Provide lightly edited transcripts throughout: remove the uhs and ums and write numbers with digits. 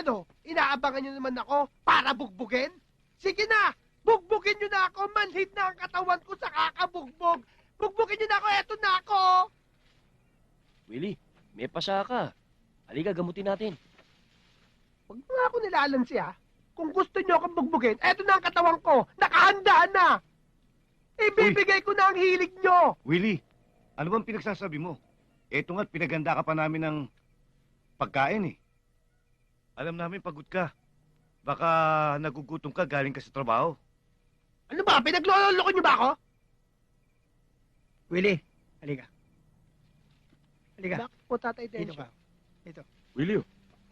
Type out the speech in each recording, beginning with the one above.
Ano? Inaabangan nyo naman ako para bugbugin? Sige na! Bugbugin nyo na ako! Manhid na ang katawan ko sa kakabugbog! Bugbugin nyo na ako! Eto na ako! Willie, may pasa ka. Halika, gamutin natin. Huwag mo nga ako nilalansi ha. Kung gusto nyo akong bugbugin, eto na ang katawan ko! Nakahanda na! Ibibigay ko na ang hilig nyo! Willie, ano bang pinagsasabi mo? Eto nga't pinaganda ka pa namin ng pagkain eh. Alam namin pagod ka. Baka nagugutom ka galing ka sa trabaho. Ano ba? Pinagloloko nyo ba ako? Willie, halika. Halika. Bakit po, Tatay Dito Densyo? ka. Dito. Willie,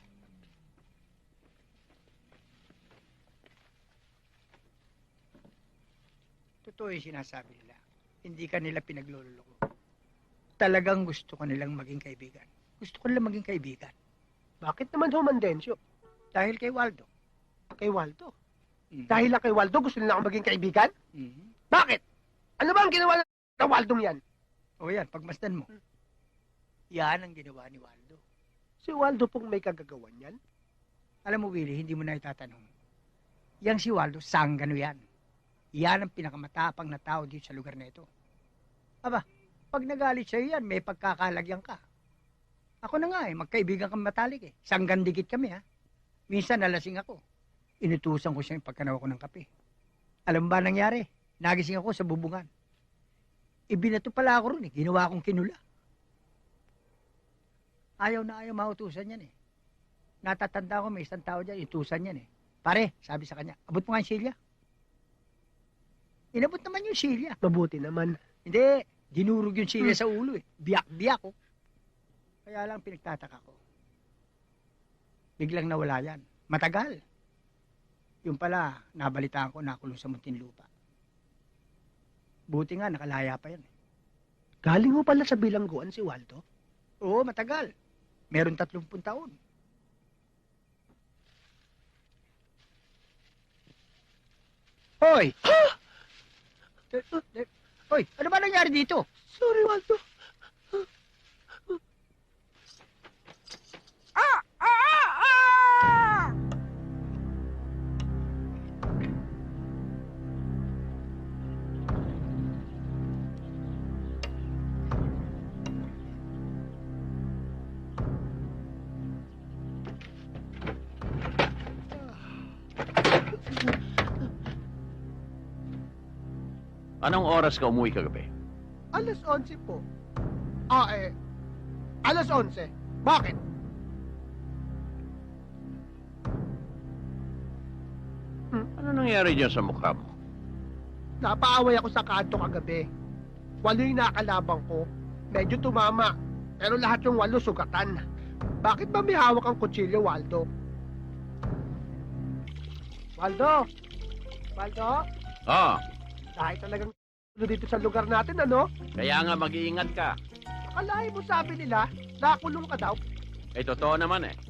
Totoo yung sinasabi nila. Hindi ka nila pinaglululoko. Talagang gusto ko nilang maging kaibigan. Gusto ko nilang maging kaibigan. Bakit naman human Densyo? Dahil kay Waldo. Kay Waldo? Mhm. Dahil lang kay Waldo, gusto nila akong maging kaibigan? Mhm. Bakit? Ano ba ang ginawa ng Waldong yan? O yan, pagmasdan mo. Yan ang ginawa ni Waldo. Si Waldo pong may kagagawan yan? Alam mo, Willie, hindi mo na itatanong. Yang si Waldo, sanggano yan. Yan ang pinakamatapang na tao dito sa lugar na ito. Aba, pag nagalit sa'yo yan, may pagkakalagyan ka. Ako na nga magkaibigan kami matalik eh. Sanggandikit kami ha. Minsan nalasing ako. Inutusan ko siya yung pagkanaw ko ng kape. Alam mo ba nangyari? Nagising ako sa bubungan. Ibinato pala ako ron eh. Ginawa akong kinula. Ayaw na ayaw mautusan yan eh. Natatanda ko may isang tao dyan, itusan yan eh. Pare, sabi sa kanya, abot mo nga yung silya. Inabot naman yung silya. Mabuti naman. Hindi, dinurog yung silya sa ulo eh. Biyak-biyak ko. Kaya lang pinagtataka ko. Biglang nawala yan. Matagal. Yung pala, nabalitaan ko nakulong sa Muntinlupa. Buti nga, nakalaya pa yan eh. Galing mo pala sa bilangguan si Waldo? Oo, matagal. Meron 30 taon. Hoy! Hoy, ano ba nangyari dito? Sorry, Waldo. anong oras ka umuwi kagabi? Alas 11 po. Alas 11. Bakit? Ano nangyari dyan sa mukha mo? Napaaway ako sa kanto kagabi. 8 yung nakalabang ko. Medyo tumama. Pero lahat yung 8 sugatan. Bakit ba may hawak ang kutsilyo, Waldo? Waldo? Waldo? Ah, Dahil talagang dito sa lugar natin, ano? kaya nga mag-iingat ka. Akalain mo sabi nila, nakulong ka daw. Eh, totoo naman eh.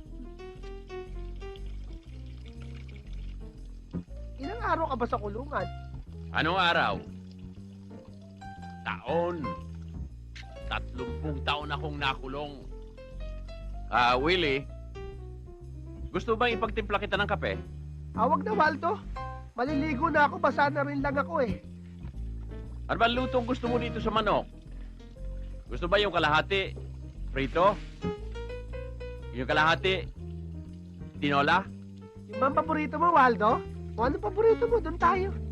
Ilang araw ka ba sa kulungan? Anong araw? Taon. 30 taon akong nakulong. Willie, gusto bang ipagtimpla kita ng kape? Wag na, Waldo. Maliligo na ako, basa na rin lang ako eh. Ano ba lutong gusto mo dito sa manok? Gusto ba yung kalahati? Prito? Yung kalahati? Tinola? Yung bang paborito mo, Waldo? O anong paborito mo? Doon tayo.